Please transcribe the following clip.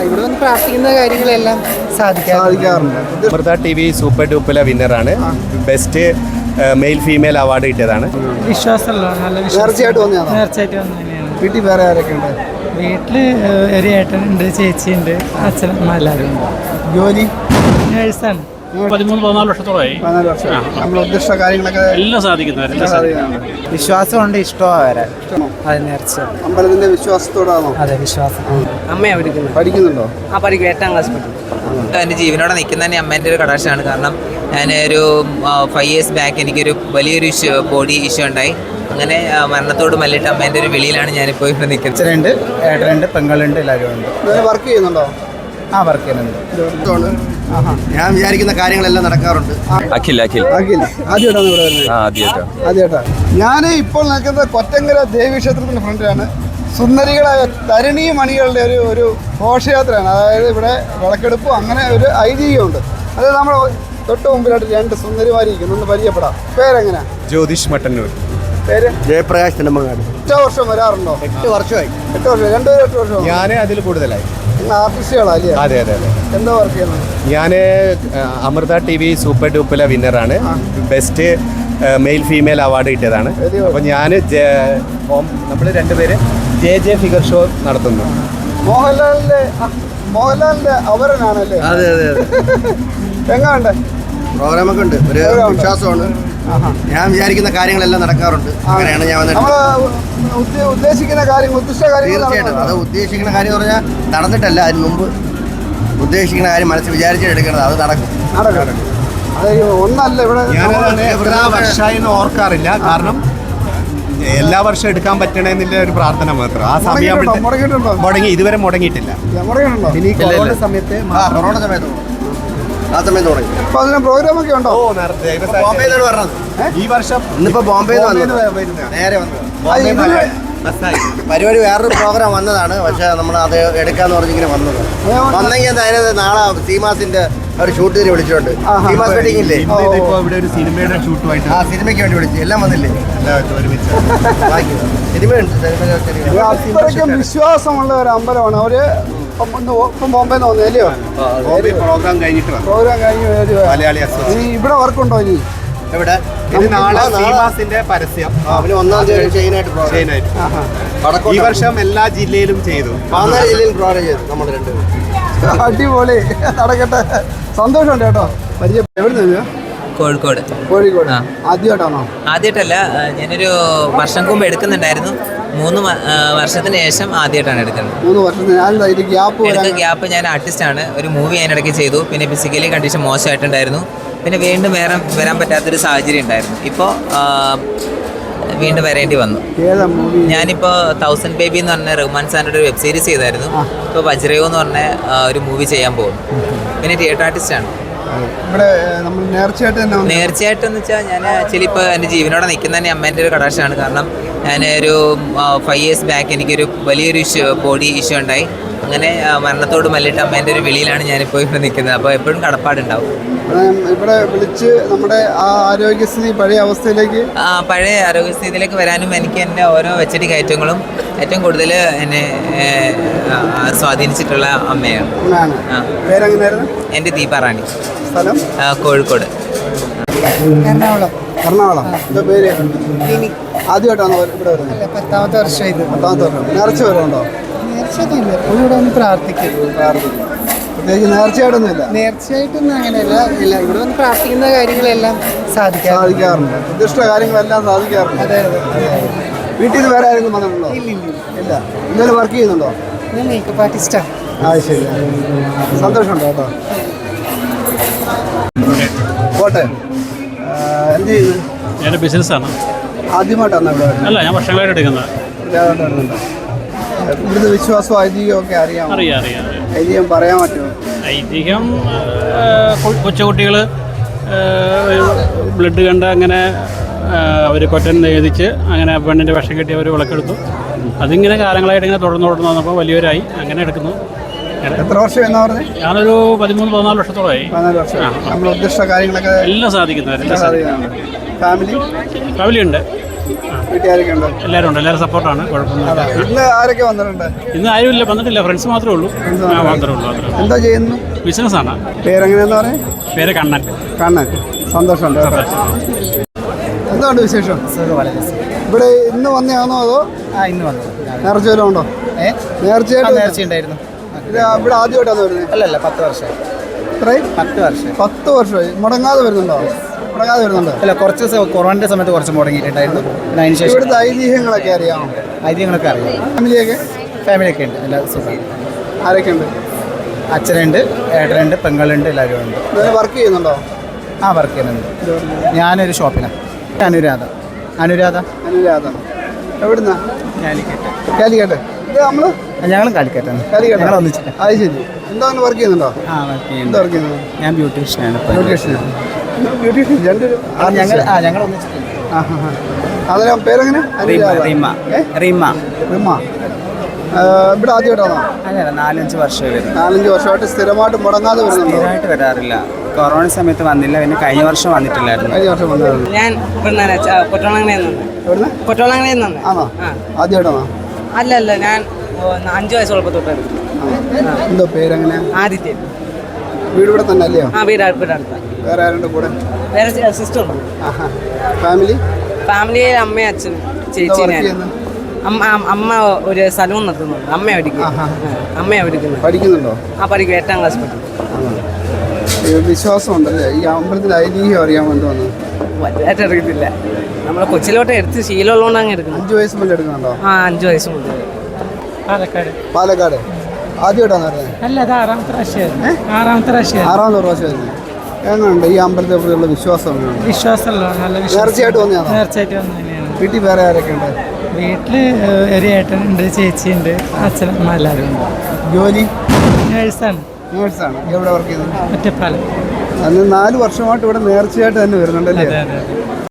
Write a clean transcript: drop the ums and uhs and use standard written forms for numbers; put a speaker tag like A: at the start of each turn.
A: ഇവിടെ വന്ന് പ്രാർത്ഥിക്കുന്ന കാര്യങ്ങളെല്ലാം സാധിക്കാറുണ്ട്.
B: അമൃത TV സൂപ്പർ ഡൂപ്പുല വിന്നറാണ്. ബെസ്റ്റ് മെയിൽ ഫീമെയിൽ അവാർഡ് കിട്ടിയതാണ്.
A: വിശ്വാസമല്ലോ, നല്ല
C: നേർച്ചയായിട്ട് വന്നതാണ്.
A: നേർച്ചയായിട്ട് വന്നതന്നെയാണ്.
C: വീട്ടിൽ വേറെ ആരൊക്കെ ഉണ്ട്?
A: വീട്ടില് ഒരു ഏട്ടനുണ്ട്, ചേച്ചിയുണ്ട്, അച്ഛനമ്മ എല്ലാവരും ഉണ്ട്.
C: ജോലി
A: നേഴ്സാണ്.
D: 13-14 വർഷത്തോളമായി.
C: 14 വർഷം. നമ്മൾ ഉദ്ദേശിച്ച കാര്യങ്ങളൊക്കെ
D: എല്ലാം സാധിക്കുന്നവരെല്ലാം
A: വിശ്വാസമുണ്ട്, ഇഷ്ടമാണ് വരാൻ. അതെ, നേർച്ച.
C: അമ്പലത്തിന്റെ വിശ്വാസത്തോടാണോ?
A: അതെ, വിശ്വാസം. അമ്മയാ പഠിക്കുന്നത്.
C: പഠിക്കുന്നുണ്ടോ?
A: പഠിക്കും, 8ാം ക്ലാസ് പഠിക്കും.
E: എൻ്റെ ജീവനോടെ നിൽക്കുന്ന തന്നെ അമ്മേൻ്റെ ഒരു കടാക്ഷമാണ്. കാരണം ഞാൻ ഒരു 5 years ബാക്ക് എനിക്കൊരു വലിയൊരു ബോഡി ഇഷ്യൂ ഉണ്ടായി. അങ്ങനെ മരണത്തോട് മല്ലിട്ട് അമ്മേൻ്റെ ഒരു വിളിയിലാണ് ഞാനിപ്പോൾ ഇവിടെ നിൽക്കുന്നത്.
C: അച്ഛനുണ്ട്, ഏട്ടനുണ്ട്, പെങ്ങളുണ്ട്, എല്ലാവരും ഉണ്ട്. വർക്ക് ചെയ്യുന്നുണ്ടോ? വർക്ക് ചെയ്യുന്നുണ്ട്. ഞാൻ വിചാരിക്കുന്ന കാര്യങ്ങളെല്ലാം നടക്കാറുണ്ട്.
B: അഖിൽ
C: ആദ്യമായിട്ടാണ് ഇവിടെ വരുന്നത്? ആദ്യമായിട്ടാ. ഞാൻ ഇപ്പോൾ നിൽക്കുന്നത് കൊറ്റങ്കര ദേവീക്ഷേത്രത്തിൻ്റെ ഫ്രണ്ടിലാണ്. സുന്ദരികളായ തരുണീ മണികളുടെ ഒരു ഘോഷയാത്രയാണ്. അതായത് ഇവിടെ വിളക്കെടുപ്പും അങ്ങനെ ഒരു ഐതിഹ്യമുണ്ട്. അത് നമ്മൾ തൊട്ട് മുമ്പിലായിട്ട് 2 സുന്ദരിമാരിയിരിക്കുന്നു. ഒന്ന് പരിചയപ്പെടാം. പേരെങ്ങനെയാ?
B: ജ്യോതിഷ് മട്ടന്നൂർ.
C: പേര്?
F: ജയപ്രകാശ് നെടുമങ്ങാട്.
C: 8 വർഷം വരാറുണ്ടോ?
F: 8 വർഷമായി.
C: 8 വർഷം. 8 വർഷം.
B: ഞാൻ അതിൽ കൂടുതലായി.
C: ആർട്ടിസ്റ്റുകളല്ലേ?
B: അതെ.
C: എന്താ വർക്ക് ചെയ്യുന്നത്?
B: ഞാൻ അമൃത TV സൂപ്പർ ഡൂപ്പുല വിന്നറാണ്. ബെസ്റ്റ് മെയിൽ ഫീമെയിൽ അവാർഡ് കിട്ടിയതാണ്. അപ്പോൾ ഞാൻ നമ്മൾ 2 പേര് ജെ ഫിഗർ ഷോ നടത്തുന്നു.
C: മോഹൻലാലിന്റെ അവരനാണല്ലേ?
F: അതെ.
C: എങ്ങാണ്ട്
F: പ്രോഗ്രാമൊക്കെ ഉണ്ട്. ഒരു വിശ്വാസമാണ്. ഞാൻ വിചാരിക്കുന്ന കാര്യങ്ങളെല്ലാം നടക്കാറുണ്ട്. അങ്ങനെയാണ് ഞാൻ വന്നിട്ട്
C: ഉദ്ദേശിക്കുന്ന കാര്യം.
F: തീർച്ചയായിട്ടും അത് ഉദ്ദേശിക്കുന്ന കാര്യം എന്ന് പറഞ്ഞാൽ നടന്നിട്ടല്ല, അതിന് മുമ്പ് ഉദ്ദേശിക്കുന്ന കാര്യം മനസ്സിൽ വിചാരിച്ചിട്ട് എടുക്കുന്നത്. അത് നടക്കും.
C: അത് ഒന്നല്ല. ഇവിടെ
B: എത്ര വർഷമായി ഓർക്കാറില്ല. കാരണം എല്ലാ വർഷവും എടുക്കാൻ പറ്റണമെന്നില്ല ഒരു പ്രാർത്ഥന മാത്രം. ആ സമയം മുടങ്ങി, ഇതുവരെ മുടങ്ങിയിട്ടില്ല. ഇനി കൊറോണ സമയത്ത്
F: ആ സമയത്ത് തുടങ്ങി.
C: അപ്പൊ അതിന് പ്രോഗ്രാമൊക്കെ ഉണ്ടോ?
F: ബോംബെയിലാണ് പറഞ്ഞത്.
B: ഈ വർഷം
F: ഇന്നിപ്പോ ബോംബെയിൽ നേരെ വന്നത്. പരിപാടി വേറൊരു പ്രോഗ്രാം വന്നതാണ്. പക്ഷെ നമ്മൾ അത് എടുക്കാന്ന് പറഞ്ഞിങ്ങനെ വന്നത്. വന്നെങ്കിൽ എന്തായാലും നാളെ സീമാസിന്റെ ഒരു ഷൂട്ടിന് വിളിച്ചിട്ടുണ്ട്. സീമാസ് വെഡിങ് ഇല്ലേ?
B: ഇവിടെ ഒരു സിനിമയുടെ ഷൂട്ടുമായിട്ട്
F: ആ സിനിമയ്ക്ക് വേണ്ടി വിളിച്ചു. എല്ലാം വന്നില്ലേ?
C: അത്രയ്ക്കും വിശ്വാസമുള്ള ഒരു അമ്പലമാണ്. അവര് ഇപ്പം ബോംബെന്ന് വന്നല്ലയോ?
B: പ്രോഗ്രാം കഴിഞ്ഞിട്ട് മലയാളി
C: ഇവിടെ വർക്കുണ്ടോ ഇനി?
F: എവിടെ?
B: നാളെ സീമാസിന്റെ പരസ്യം
F: അവന് 1-ാം തീയതി ചെയിനായിട്ട്
B: ഈ വർഷം എല്ലാ ജില്ലയിലും ചെയ്തു.
F: പാലാ ജില്ലയിൽ പ്രോഗ്രാം ചെയ്തു നമ്മൾ 2 പേരും.
C: അടിപൊളി, നടക്കട്ടെ. സന്തോഷമുണ്ട് കേട്ടോ. പരിചയം. എവിടെ നിന്ന്?
E: കോഴിക്കോട്.
C: ആദ്യമായിട്ടാണോ?
E: ആദ്യമായിട്ടല്ല, ഞാനൊരു വർഷം മുമ്പ് എടുക്കുന്നുണ്ടായിരുന്നു. 3 വർഷത്തിന് ശേഷം ആദ്യമായിട്ടാണ് എടുക്കുന്നത്.
C: 3 വർഷത്തിന്
E: ഗ്യാപ്പ്. ഞാൻ ആർട്ടിസ്റ്റാണ്. ഒരു മൂവി ഞാൻ ഇടയ്ക്ക് ചെയ്തു. പിന്നെ ഫിസിക്കലി കണ്ടീഷൻ മോശമായിട്ടുണ്ടായിരുന്നു. പിന്നെ വീണ്ടും വരാൻ പറ്റാത്തൊരു സാഹചര്യം ഉണ്ടായിരുന്നു. ഇപ്പോൾ വീണ്ടും വരേണ്ടി വന്നു. ഞാനിപ്പോൾ 1000 ബേബി എന്ന് പറഞ്ഞ റഹ്മാൻ സാറിൻ്റെ ഒരു വെബ് സീരീസ് ചെയ്തായിരുന്നു. ഇപ്പോൾ വജ്രയോ എന്ന് പറഞ്ഞ ഒരു മൂവി ചെയ്യാൻ പോകുന്നു. പിന്നെ തിയേറ്റർ ആർട്ടിസ്റ്റാണ്. നേർച്ചയായിട്ടെന്ന് വെച്ചാൽ ഞാൻ ആക്ച്വലി ഇപ്പോൾ എൻ്റെ ജീവനോടെ നിൽക്കുന്ന തന്നെ അമ്മേൻ്റെ ഒരു കടാക്ഷമാണ്. കാരണം ഞാൻ ഒരു 5 years ബാക്ക് എനിക്കൊരു വലിയൊരു ബോഡി ഇഷ്യൂ ഉണ്ടായി. അങ്ങനെ മരണത്തോട് മല്ലിട്ട് അമ്മേൻ്റെ ഒരു വിളിയിലാണ് ഞാനിപ്പോൾ ഇവിടെ നിൽക്കുന്നത്. അപ്പോൾ എപ്പോഴും കടപ്പാടുണ്ടാവും.
C: ഇവിടെ വിളിച്ച് നമ്മുടെ ആരോഗ്യസ്ഥിതി പഴയ
E: ആരോഗ്യസ്ഥിതിയിലേക്ക് വരാനും എനിക്ക് എൻ്റെ ഓരോ വെച്ചടി കയറ്റങ്ങളും ഏറ്റവും കൂടുതൽ എന്നെ സ്വാധീനിച്ചിട്ടുള്ള അമ്മയാണ്. എൻ്റെ ദീപാറാണി. കോഴിക്കോട്.
C: എറണാകുളം. എന്താ പേര്? ആദ്യമായിട്ടാണോ ഇവിടെ വരുന്നത്?
A: 10ാമത്തെ വർഷം.
C: 10ാമത്തെ വർഷം. നേർച്ച വരുന്നുണ്ടോ?
A: നേർച്ചയൊന്നുമില്ല. ഇവിടെ വന്ന് പ്രാർത്ഥിക്കും.
C: പ്രത്യേകിച്ച് നേർച്ചയായിട്ടൊന്നുമില്ല.
A: നേർച്ചയായിട്ടൊന്നും അങ്ങനെയല്ല. ഇവിടെ വന്ന് പ്രാർത്ഥിക്കുന്ന കാര്യങ്ങളെല്ലാം
C: സാധിക്കാറുണ്ട്. ഉദ്ദേശിച്ച കാര്യങ്ങളെല്ലാം സാധിക്കാറുണ്ട്.
A: അതെ.
C: വീട്ടിൽ നിന്ന് വേറെ ആരെങ്കിലും വന്നിട്ടുണ്ടോ? ഇല്ല. ഇന്നലെ വർക്ക് ചെയ്യുന്നുണ്ടോ?
A: ഞാൻ മേക്കപ്പ് ആർട്ടിസ്റ്റാണ്.
C: ശരി. സന്തോഷമുണ്ട് കേട്ടോ. പോട്ടെ. എന്ത് ചെയ്യുന്നു?
D: ഞാൻ ബിസിനസ്സാണ്.
C: ആദ്യമായിട്ടാണ് ഇവിടെ?
D: അല്ല, ഞാൻ വർഷങ്ങളായിട്ട് എടുക്കുന്നത്.
C: ഇവിടുത്തെ വിശ്വാസവും ഐതിഹ്യവും ഒക്കെ അറിയാം. ഐതിഹ്യം പറയാൻ പറ്റുമോ?
D: ഐതിഹ്യം കൊച്ചുകുട്ടികൾ ബ്ലഡ് കണ്ട് അങ്ങനെ അവർ കൊറ്റൻ എഴുതിച്ച് അങ്ങനെ പെണ്ണിൻ്റെ വിഷം കെട്ടി അവർ വിളക്കെടുത്തു. അതിങ്ങനെ കാലങ്ങളായിട്ട് ഇങ്ങനെ തുടർന്ന് വന്നപ്പോൾ വലിയവരായി അങ്ങനെ എടുക്കുന്നു.
C: എത്ര വർഷം എന്നാ പറഞ്ഞത്?
D: ഞാനൊരു 13-14 വർഷത്തോളമായി.
C: 14 വർഷം. നമ്മൾ ഉദ്ദേശിച്ച കാര്യങ്ങളൊക്കെ
D: എല്ലാം സാധിക്കുന്നവരെല്ലാം.
C: ഫാമിലി
D: ഉണ്ട്.
C: വീട്ടുകാരൊക്കെ ഉണ്ട്?
D: എല്ലാവരും ഉണ്ട്, എല്ലാവരും സപ്പോർട്ടാണ്, കുഴപ്പമൊന്നുമില്ല.
C: ഇന്ന് ആരൊക്കെ വന്നിട്ടുണ്ട്?
D: ഇന്ന് ആരും വന്നിട്ടില്ല, ഫ്രണ്ട്സ് മാത്രമേ ഉള്ളൂ. മാത്രമേ ഉള്ളൂ.
C: എന്താ ചെയ്യുന്നു?
D: ബിസിനസ്സാണ്.
C: പേരെങ്ങനെയാന്ന് പറയാം?
D: പേര് കണ്ണൻ.
C: കണ്ണൻ. സന്തോഷമുണ്ട്. എന്തുകൊണ്ട് വിശേഷം? ഇവിടെ ഇന്ന് വന്നതാണോ അതോ
A: ഇന്ന് വന്നു.
C: നേർച്ച വല്ലതും ഉണ്ടോ? നേർച്ചയായിട്ട്
A: ഉണ്ടായിരുന്നു.
C: ഇത് ഇവിടെ ആദ്യമായിട്ടാണ് വരുന്നത്?
A: അല്ലല്ല, 10 വർഷം.
C: ഇത്രയും
A: 10 വർഷം.
C: 10 വർഷമായി. മുടങ്ങാതെ വരുന്നുണ്ടോ? മുടങ്ങാതെ വരുന്നുണ്ട്.
A: അല്ല, കുറച്ച് കൊറോണയുടെ സമയത്ത് കുറച്ച് മുടങ്ങിയിട്ടുണ്ടായിരുന്നു. പിന്നെ അതിന് ശേഷം
C: ഇവിടുത്തെ ഐതിഹ്യങ്ങളൊക്കെ അറിയാമോ?
A: ഐതിഹ്യങ്ങളൊക്കെ അറിയാം.
C: ഫാമിലിയൊക്കെ
A: ഉണ്ട്, എല്ലാ സുഖം.
C: ആരൊക്കെ ഉണ്ട്?
A: അച്ഛനുണ്ട്, ഏട്ടനുണ്ട്, പെങ്ങളുണ്ട്, എല്ലാവരും ഉണ്ട്.
C: വർക്ക് ചെയ്യുന്നുണ്ടോ?
A: വർക്ക് ചെയ്യുന്നുണ്ട്. ഞാനൊരു ഷോപ്പിലാണ്. അനുരാധ.
C: അനുരാധ. എവിടുന്നാ? കാലിക്കട്ട്. ഇത് നമ്മള്
A: ഞങ്ങളും കാലിക്കറ്റാണ്.
C: കാലിക്കട്ട്
A: ഒന്നിച്ചിട്ട്.
C: അത് ശരി. എന്താണ് വർക്ക് ചെയ്യുന്നുണ്ടോ? എന്താ വർക്ക് ചെയ്യുന്നത്?
A: ഞാൻ ബ്യൂട്ടീഷ്യനാണ്.
C: ബ്യൂട്ടീഷ്യൻ രണ്ടൊരു
A: ഞങ്ങൾ ഒന്നിച്ചിട്ടുണ്ട്.
C: അതിലെ പേരെങ്ങനെ?
A: റീമ.
C: ഇവിടെ ആദ്യമായിട്ടാണോ?
A: അല്ല, 4-5 വർഷമായി വരും.
C: 4-5 വർഷമായിട്ട് സ്ഥിരമായിട്ട് മുടങ്ങാതെ വരുന്നുണ്ടോ?
A: സ്ഥിരമായിട്ട് വരാറില്ല. കൊറോണ സമയത്ത് വന്നില്ല, പിന്നെ കഴിഞ്ഞ വർഷം വന്നിട്ടില്ലായിരുന്നു.
C: കഴിഞ്ഞ വർഷം വന്നായിരുന്നു.
G: ഞാൻ കൊട്ടോളങ്ങനെയെന്നു.
C: ആണോ? ആദ്യമായിട്ടാണോ?
G: അല്ല, ഞാൻ 5 വയസ്സുള്ളപ്പോൾ തൊട്ടായിരുന്നു.
C: എന്തോ പേരെങ്ങനെ?
G: ആദിത്യൻ.
C: വീട് ഇവിടെ തന്നെ അല്ലയോ?
G: വീട് അടുത്ത.
C: വേറെ ആരുണ്ട് കൂടെ?
G: വേറെ സിസ്റ്റർ ഉണ്ട്.
C: ഫാമിലിയിൽ
G: അമ്മയും അച്ഛനും ചേച്ചി. അമ്മ ഒരു സലൂൺ നടത്തുന്നുണ്ട്. അമ്മ പഠിക്കുന്നു.
C: പഠിക്കുന്നുണ്ടോ?
G: പഠിക്കും. 8ാം ക്ലാസ് പഠിക്കും.
C: വിശ്വാസം ഉണ്ടല്ലേ? ഈ അമ്പലത്തിൽ ഐതിഹ്യം അറിയാൻ വേണ്ടി വന്നു?
G: വലുതായിട്ട് അറിയത്തില്ല. നമ്മളെ കൊച്ചിലോട്ട് എടുത്ത് ശീലമുള്ളതുകൊണ്ട് അങ്ങ് എടുക്കണം.
C: 5 വയസ്സ് മുതൽ എടുക്കുന്നുണ്ടോ?
G: 5 വയസ്സ് മുതൽ.
C: പാലക്കാട്. ആദ്യമായിട്ടാണ് അറിയാൻ?
A: അല്ല, അത് 6ാമത്തെ പ്രാവശ്യമായിരുന്നു. 6ാമത്തെ
C: പ്രാവശ്യമായിരുന്നു. എങ്ങനെയുണ്ട് ഈ അമ്പലത്തെ കുറിച്ചുള്ള വിശ്വാസം?
A: വിശ്വാസമല്ലോ, നല്ല
C: നേർച്ചയായിട്ട് വന്നതാണോ?
A: നേർച്ചയായിട്ട് വന്നു തന്നെയാണ്.
C: വീട്ടിൽ വേറെ ആരൊക്കെ ഉണ്ട്?
A: വീട്ടില് ഒരു ഏട്ടനുണ്ട്, ചേച്ചിയുണ്ട്, അച്ഛനമ്മ എല്ലാവരും ഉണ്ട്.
C: ജോലി?
A: നേഴ്സാണ്.
C: എവിടെ വർക്ക് ചെയ്യുന്നത്?
A: ഒറ്റപ്പാലം.
C: അന്ന് 4 വർഷമായിട്ട് ഇവിടെ നേർച്ചയായിട്ട് തന്നെ വരുന്നുണ്ടല്ലേ?
A: അതെ.